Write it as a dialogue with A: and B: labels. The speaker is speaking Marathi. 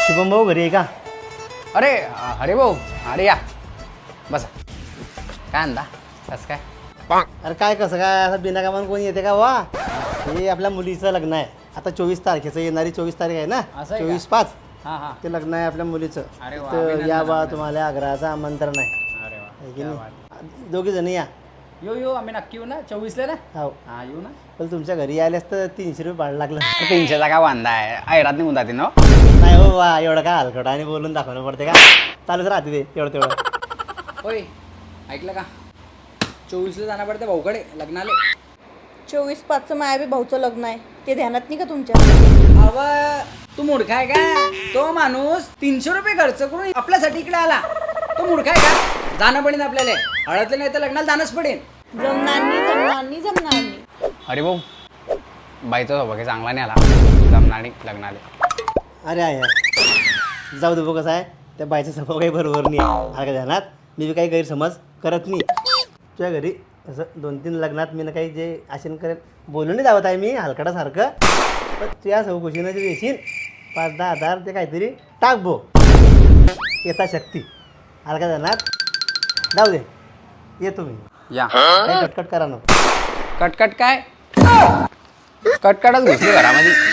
A: शुभम भाऊ घरी आहे का?
B: अरे अरे भाऊ, अरे या बसा. काय आणता? कसं काय?
A: अरे काय कसं काय असं बिनाकामान कोणी येते का वा? हे आपल्या मुलीचं लग्न आहे आता 24 तारखेचं, येणारी 24 तारीख आहे ना,
B: असं आहे का?
A: 24/5
B: हां हां.
A: ते लग्न आहे आपल्या मुलीचं.
B: अरे वा,
A: तर
B: अभिनंदन,
A: या बा
B: अभिनंदन.
A: तुम्हाला आग्रहाचं आमंत्रण आहे.
B: अरे वा,
A: आहे की
B: क्या
A: नाही?
B: बात.
A: दोघी जण या.
B: येऊ आम्ही नक्की येऊ ना 24ला ना.
A: हो,
B: हां येऊ ना.
A: पण तुमच्या घरी आल्यास तर 300 रुपये भाडं लागलं.
B: 300चा काय वांदा आहे, ऐरात निघून जाते ना.
A: नाही हो वा, एवढं काय हलकट आणि बोलून दाखवणं पडते का? चालूच राहते ते तेवढं तेवढं.
B: होय ऐकलं का, 24ला जाणं पडतं भाऊकडे लग्नाला.
C: 24/5 माया बी भाऊचं लग्न आहे, ते ध्यानात नाही का तुमच्या?
B: अव तू मूर्ख आहे का? तो माणूस 300 रुपये खर्च करून आपल्यासाठी इकडे आला. तो मूर्ख आहे का? जाणं पडेल आपल्याला, हळदलं नाही तर लग्नाला जाणंच पडेल.
C: जमणार नाही.
B: अरे भाऊ, बाईचा सौभाग्य चांगला नाही आला, जमणार नाही लग्नाला.
A: अरे आहे जाऊ दे बघ, कसं आहे त्या बाईचा स्वभाव काही बरोबर नाही आहे. का ध्यानात मी बी काही गैरसमज करत नाही. तुझ्या घरी असं 2-3 लग्नात मी ना काही जे आशन करेल बोलून नाही धावत आहे मी हलकटासारखं, पण तुझ्या चौकशीनं जे देशील 5-10 हजार ते काहीतरी टाक भो, येता शक्ती. हलका ध्यानात जाऊ दे, येतो मी.
B: या
A: काही कटकट करा नको.
B: कटकट काय? कटकटच घुसली घरामध्ये.